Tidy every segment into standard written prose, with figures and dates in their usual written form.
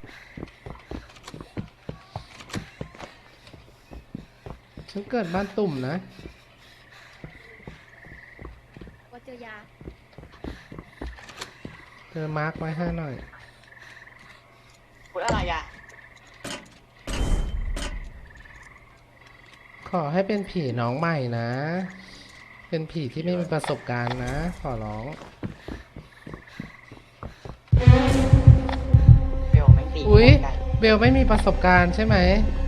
ฉันเกิดบ้านตุ่มนะว่าเจอยาเธอมาร์กไว้ให้หน่อยพูดอะไรอ่ะขอให้เป็นผีน้องใหม่นะ เป็นผีที่ไม่มีประสบการณ์นะ ขอร้องเบลไม่ตีอุ๊ยเบลไม่มีประสบการณ์ใช่ไหม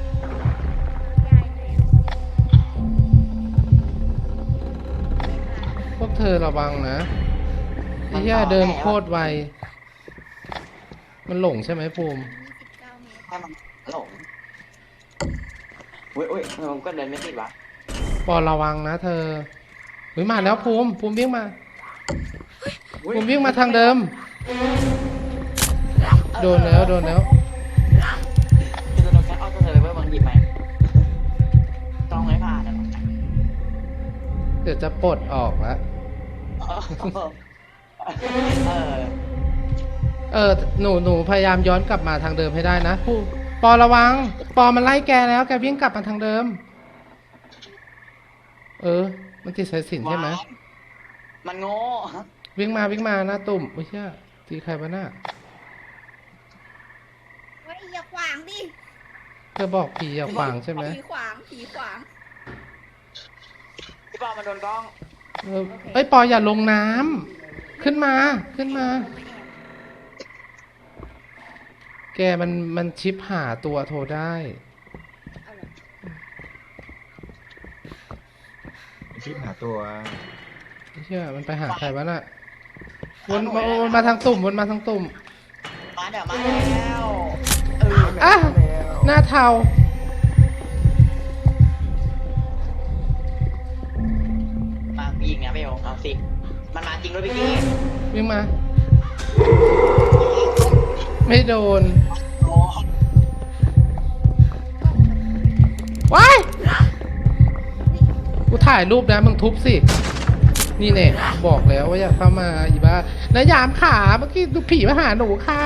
พวกเธอระวังนะไอ้เหี้ยเดินโคตรไวมันหลงใช่ไหมภูมิให้มันหลงอุ้ยผมก็เดินไม่ติดวะปอระวังนะเธอเฮ้ยมาแล้วภูมิวิ่งมาภูมิวิ่งมาทางเดิมโดนแล้วคือตัวแค่เอาตัวเลยเว้ยบางหยิบไหมต้องไม่ผ่านนะเดี๋ยวจะปลดออกแล้วหนูพยายามย้อนกลับมาทางเดิมให้ได้นะปอระวังปอมันไล่แกแล้วแกวิ่งกลับมาทางเดิมมันติดสายสิญจน์ใช่ไหมมันโง่วิ่งมาหน้าตุ่มไม่ใช่ตีใครวะน่ะเฮ้ยอย่าขวางดิเธอบอกผีอย่าขวางใช่ไหมผีขวางพี่ปอมาโดนกล้องปออย่าลงน้ำขึ้นมาแกมันชิปหาตัวโทรได้ชิปหาตัวไม่เชื่อมันไปหาใครวะน่ะวนมาทางตุ่มมาเดี๋ยวมาแล้วหน้าเทามายิงนะเบลเอาสิมันมาจริงด้วยพี่กี้วิ่งมาไม่โดนว้ายกูถ่ายรูปนะมึงทุบสินี่เนี่ยบอกแล้วว่าอย่าเข้ามาอีบ้าแล้วยามขาเมื่อกี้ดูผีมาหาหนูค่ะ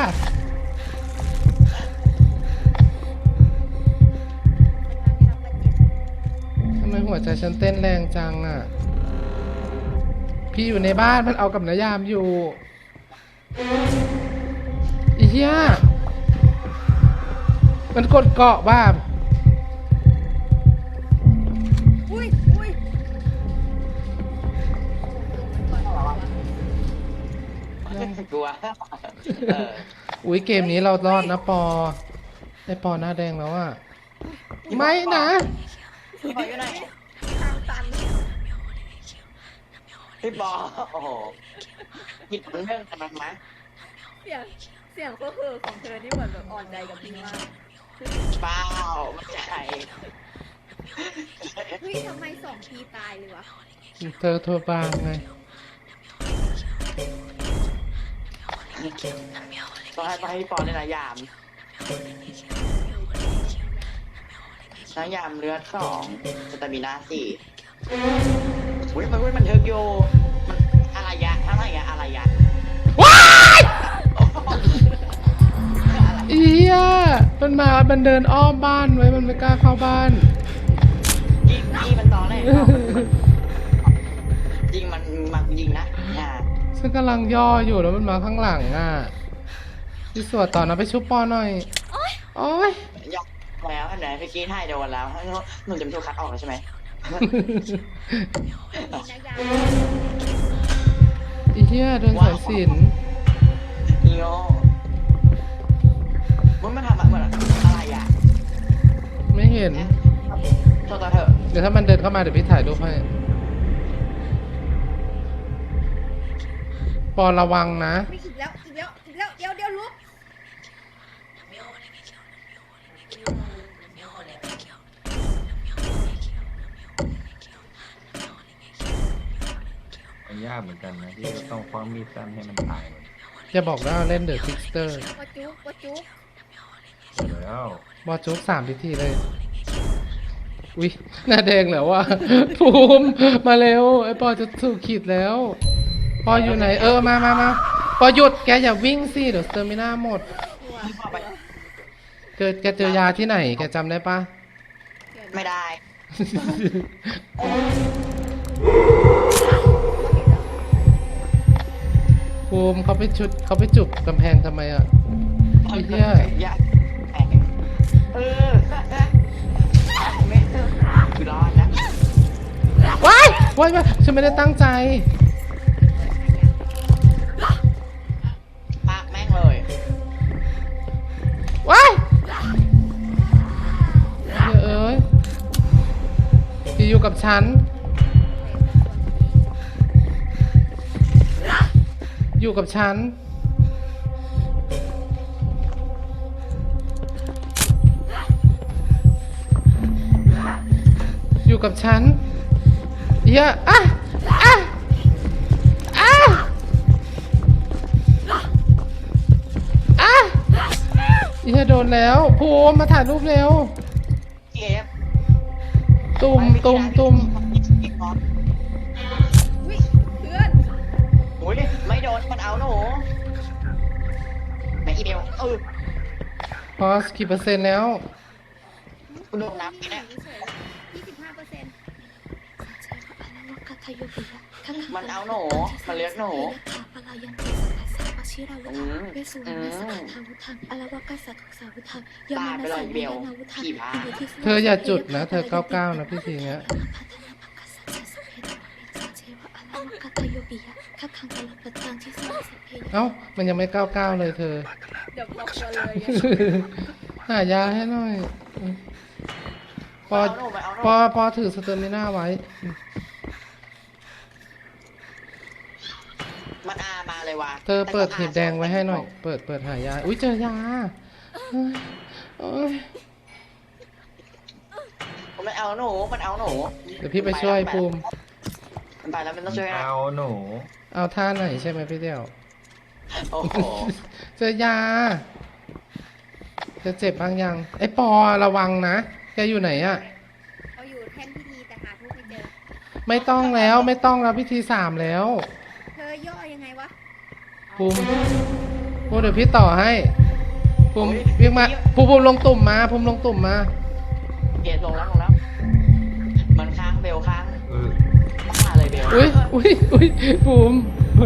ทำไมหัวใจฉันเต้นแรงจังอ่ะพี่อยู่ในบ้านมันเอากับนายามอยู่อีเหี้ยมันกดเกาะบ้าอุ้ยกลัวอุ้ยเกมนี้เรารอดนะปอไอปอหน้าแดงแล้วอ่ะไม่นะพี่ปออยู่ไหนทางตันพี่ปอโอ้โหคิดเรื่องกันไหมเสียงก็คือของเธอนี่เหมือนแบบอ่อนใจกับพี่มากเปล่าไม่ใช่เฮ้ยทำไม2 ทีตายเลยวะเธอโทรบางไงต้องให้พี่ปอเลยนะยามเลือด2สตามิน่า4อุ้ยมันเทิร์กโยมันอะไรยะทั้งอะไรยะว้ายเอี้ยมันเดินอ้อมบ้านไว้มันไม่กล้าเข้าบ้านยิงมันตอนแรกยิงมันยิงนะฉันกำลังย่ออยู่แล้วมันมาข้างหลังอ่ะพี่สวดต่อนะไปชุบปอหน่อยโอ๊ยยกแล้วอันไหนพี่กี้ให้โดนแล้วหนูจะไม่ถูกคัดออกแล้วใช่ไหมอีเหี้ยโดนสายสิญจน์โย่มันทำอะไรอ่ะไม่เห็นโทษเถอะเดี๋ยวถ้ามันเดินเข้ามาเดี๋ยวพี่ถ่ายรูปให้ปอระวังนะอีกแล้วเดี๋ยวลุกมันยากเหมือนกันนะที่ต้องคว้ามีดสั้นให้มันตายจะบอกว่าเล่นเดอะซิกสเตอร์ว่าจุ๊บแล้วบอจุ๊บ3 พิธีเลยอุ๊ยหน้าแดงแล้วว่ะภูมิมาเร็วไอปอจะถูกขีดแล้วปออยู่ไหนมาปอหยุดแกอย่าวิ่งสิเดี๋ยวสเตอร์มิน่าหมดแกเจอยาที่ไหนแกจำได้ปะเดี๋ยวนะไม่ได้ภูมิเขาไปจุบกำแพงทำไมอ่ะ ไอ้เหี้ยยากเออไม่คือรอดนะว้ายว้ายว้ายฉันไม่ได้ตั้งใจปากแม่งเลยว้ายเอ้ยที่อยู่กับฉัน อยู่กับฉัน อยู่กับฉันเฮียอ่ะอ่ะอ่ะอ่ะเฮียโดนแล้วภูมิมาถ่ายรูปเร็วเก็บตุ่มตุ่มตุ่มอุ๊ยเพื่อนอุ้ยไม่โดนมันเอาหนูไม่อีเมลพอสกี่เปอร์เซ็นต์แล้วคุณโดนนับเนี่ยเฉย25% มันเอาหนูมันเลี้ยงหนูตายไปเลยเบลขี่พาเธออย่าจุดนะ เธอ99นะพี่ทีเนี้ยเอ้ามันยังไม่99เลยเธอเดี๋ยวบอกตัวเลยหายาให้หน่อยปอเอาหนูไปเอาหนูปอถือสเตอร์มิน่าไว้มันอามาเลยว่ะเธอเปิดหีบแดงไว้ให้หน่อย เปิดหายา อุ้ยเจอยาเฮ้ยโอ้ยมันเอาหนูมันเอาหนูเดี๋ยวพี่ไปช่วยภูมิมันไปแล้วมันต้องช่วยนะเอาหนูเอาท่าไหนใช่ไหมพี่เดียวโอ้โหเจอยาจะเจ็บบางยังไอ้ปอระวังนะแกอยู่ไหนอะเขาอยู่แท่นพิธีแต่หาทูบไม่เจอไม่ต้องแล้วพิธี3แล้วเธอย่อยังไงวะภูมิเดี๋ยวพี่ต่อให้ภูมิวิ่งมาภูมิลงตุ่มมาภูมิลงตุ่มมาเกตลงแล้วมันค้างเบลค้างเออมาเลยเบลอุ้ยภูมิ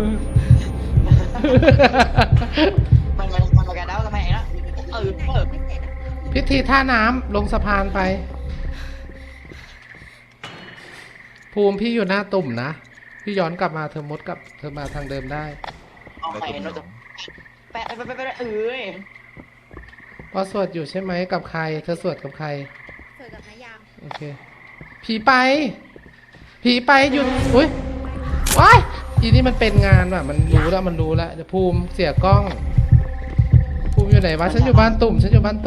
มันมากระเด้าทำไมนะไม่เสร็จอะพิธีท่าน้ำลงสะพานไป ภูมิพี่อยู่หน้าตุ่มนะพี่ย้อนกลับมาเธอมาทางเดิมได้เอาไปเราจะแปะไปเอ้ยพอสวดอยู่ใช่ไหมกับใคร เธอสวดกับใครเสร็จกับนายามโอเคผีไปหยุดอุ้ยว้ายอีนี่มันเป็นงานว่ะมันรู้แล้วเดี๋ยวภูมิเสียกล้อง ภูมิอยู่ไหนวะฉันอยู่บ้านตุ่ม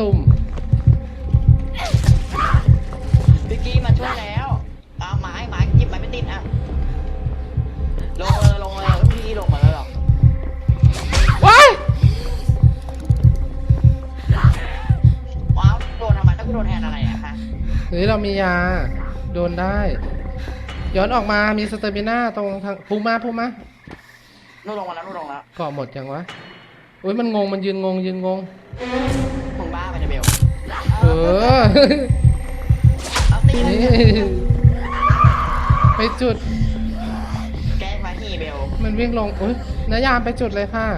พี่กี้มาช่วยแล้วเอาไม้หยิบไม้ไม่ติดอ่ะลงเลยพี่ลงมาแล้วหรอว้ายว้าวโดนทำไมถ้ากูโดนแทนอะไรอะคะเฮ้ยเรามียาโดนได้ ย้อนออกมามีสเตอร์มิน่าตรงทางภูมิมานู่นลงมาแล้วเกาะหมดยังวะอุ้ยมันงงมันยืนงงมึงบ้าไปนะเบลเออเอาตีเลยนี่ไปจุดแกล้งมาฮีเบลมันวิ่งลงอุ้ยนายามไปจุดเลยค่ะ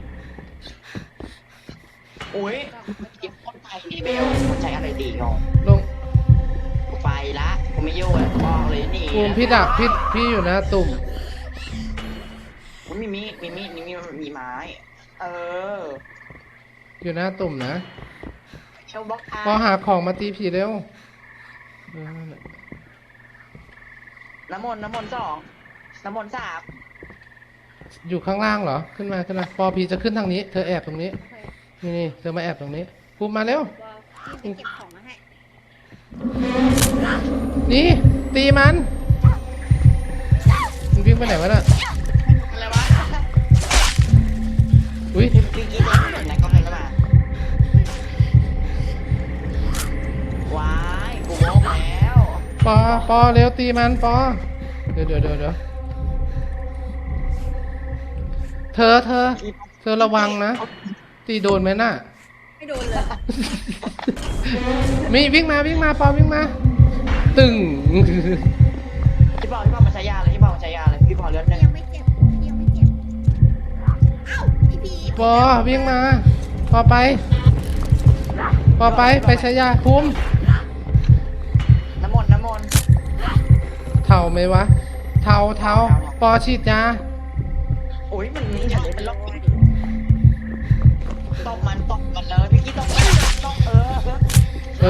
อุ้ยเก็บคนไปดีเบลมันใช้อะไรดีงงลงไปละกูไม่ยุ่งเลยบอกเลยนี่ภูมิพี่ดักพี่อยู่นะตุ่มมีไม้เอออยู่หน้าตุ่มนะเชลบล็อกพอหาของมาตีผีเร็วเออนั่นแหละน้ำมนต์2น้ำมนต์3 อยู่ข้างล่างเหรอขึ้นมาปอผีจะขึ้นทางนี้เธอแอบตรงนี้โอเคนี่เธอมาแอบตรงนี้ภูมิมาเร็วว่าพี่ไปเก็บของมาให้นี่ตีมันวิ่งไปไหนวะน่ะอะไรวะอุ้ยพี่กี้เด็กไหนก็มาว้ายกูโง่แล้วปอเร็วตีมันปอเดี๋ยวเธอระวังนะตีโดนไหมน่ะไม่โดนเลยมีวิ่งมาปอวิ่งมา ตึงพี่บอกมาใช้ยาเลยพี่บอกมาใช้ยาเลยพี่บอกเลือดหนึ่งยังไม่เจ็บยังไม่เจ็บเอ้าพี่ผีปอวิ่งมา ปอไปใช้ยาภูมิน้ำมนต์เท่าไหมวะ เท่าปอฉีดยาโอ้ยมันนี่อะไรมันล็อกตบมันเลยพี่กี้ตบเอ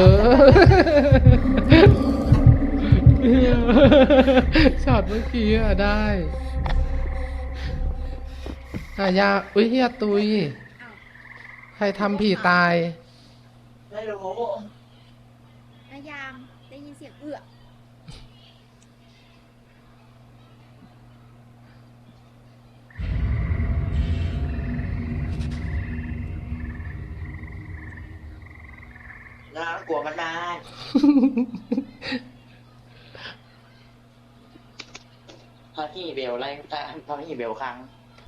อ ช็อตเมื่อกี้อะได้ยาอุ้ยเฮียตุย ใครทำผีตายไม่รู้นายามได้ยินเสียงเอื้อน่ากลัวมันมากพอที่เบลไล่พอที่เบลครั้ง